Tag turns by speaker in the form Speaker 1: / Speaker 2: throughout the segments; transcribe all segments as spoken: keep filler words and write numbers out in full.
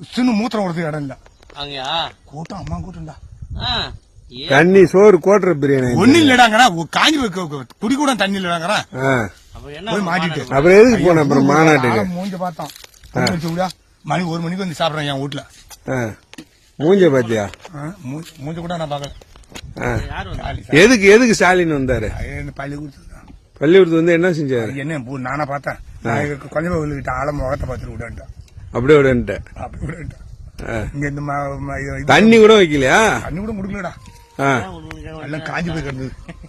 Speaker 1: சின்ன மூத்திரம் கொடுத்து இடம் இல்ல
Speaker 2: அங்கயா
Speaker 1: கூட்டம் அம்மா கூட்டம்டா
Speaker 3: தண்ணி சோறு கோட்டுற பிரியாணி
Speaker 1: ஒண்ணு இல்லடாங்கறா காஞ்சி குடி கூட தண்ணி இல்லடாங்கறா போய் மாட்டிட்டு
Speaker 3: அப்புறம் எதுக்கு போன அப்புறம் மாநாட்டுக்கு
Speaker 1: மூஞ்ச பார்த்தோம் மணி ஒரு மணிக்கு வந்து சாப்பிடுறேன் என் வீட்டுல
Speaker 3: மூஞ்ச பாத்தியா
Speaker 1: மூஞ்ச கூட நான் பாக்கல
Speaker 3: எதுக்கு எதுக்கு ஸ்டாலின் வந்தாரு
Speaker 1: பள்ளிக்கூடத்துக்கு
Speaker 3: பள்ளிக்கூடத்து வந்து என்ன செஞ்சாரு
Speaker 1: என்ன நானா பார்த்தேன் கொஞ்சம் கிட்ட ஆழ முகத்தை பார்த்துட்டு விடன்ட்டேன்
Speaker 3: அப்படியே விடன்ட்டேன்
Speaker 1: அப்படி விடன்ட்டேன் இங்க இந்த
Speaker 3: தண்ணி கூட வைக்கலையா
Speaker 1: தண்ணி கூட குடுக்கலடா எல்லாம் காஞ்சி போய் கிடந்தது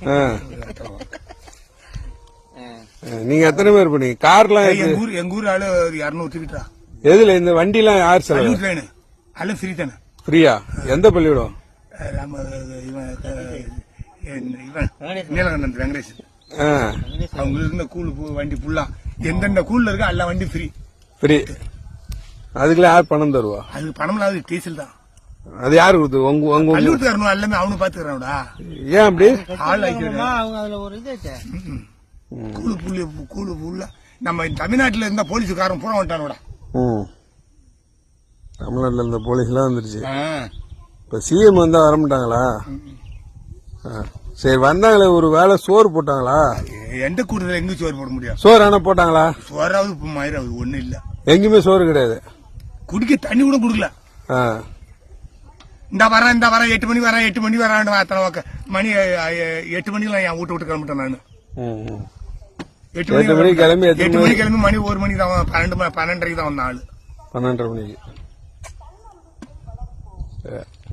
Speaker 3: நீங்க எத்தனை பேர் பண்ணீங்க கார்லாம்
Speaker 1: எங்க ஊர் எங்க ஊர் ஆளு இருநூறு டிக்கெட்டா
Speaker 3: எதுல இந்த வண்டி எல்லாம் யார் செலவு
Speaker 1: ட்ரெயின் எல்லாம் ஃப்ரீ தானே
Speaker 3: ஃப்ரீயா எந்த பள்ளிக்கூடம்
Speaker 1: நீலகண்டன் வெங்கடேஷ் அவங்க இருந்த கூழ் வண்டி ஃபுல்லா எந்தெந்த கூழ்ல இருக்கா எல்லா வண்டி ஃப்ரீ
Speaker 3: ஃப்ரீ அதுக்குள்ள யார் பணம் தருவா
Speaker 1: அதுக்கு பணம் இல்லாத டீசல் தான்
Speaker 3: அது யாரு கொடுத்து உங்க உங்க
Speaker 1: பள்ளிக்கூடத்து வரணும் எல்லாமே அவனு பாத்துக்கிறான்டா
Speaker 3: ஏன் அப்படி
Speaker 1: ஆள் கூழு புள்ளி கூழு புள்ள நம்ம தமிழ்நாட்டுல இருந்த போலீஸுக்காரன் பூரா வந்துட்டானோட
Speaker 3: தமிழ்நாட்டுல இருந்த போலீஸ் எல்லாம் வந்துருச்சு இப்ப சிஎம் வந்தா வர மாட்டாங்களா சரி வந்தாங்களே ஒரு வேலை சோறு போட்டாங்களா
Speaker 1: எந்த கூட்டத்துல எங்க சோறு போட முடியும்
Speaker 3: சோறு ஆனா போட்டாங்களா
Speaker 1: சோறாவது இப்ப மயிராவது ஒண்ணு இல்ல
Speaker 3: எங்குமே சோறு கிடையாது
Speaker 1: குடிக்க தண்ணி கூட குடுக்கல இந்த வரேன் இந்த வரேன் எட்டு மணி வரேன் எட்டு மணி வரான் அத்தனை மணி எட்டு மணிக்கு என் வீட்டு விட்டு கிளம்பிட்டேன் நானு எட்டு மணி கிளம்பி எட்டு மணி கிளம்பி மணி ஒரு மணிக்கு தான் பன்னெண்டு பன்னெண்டரைக்கு தான் வந்த ஆளு
Speaker 3: பன்னெண்டரை மணிக்கு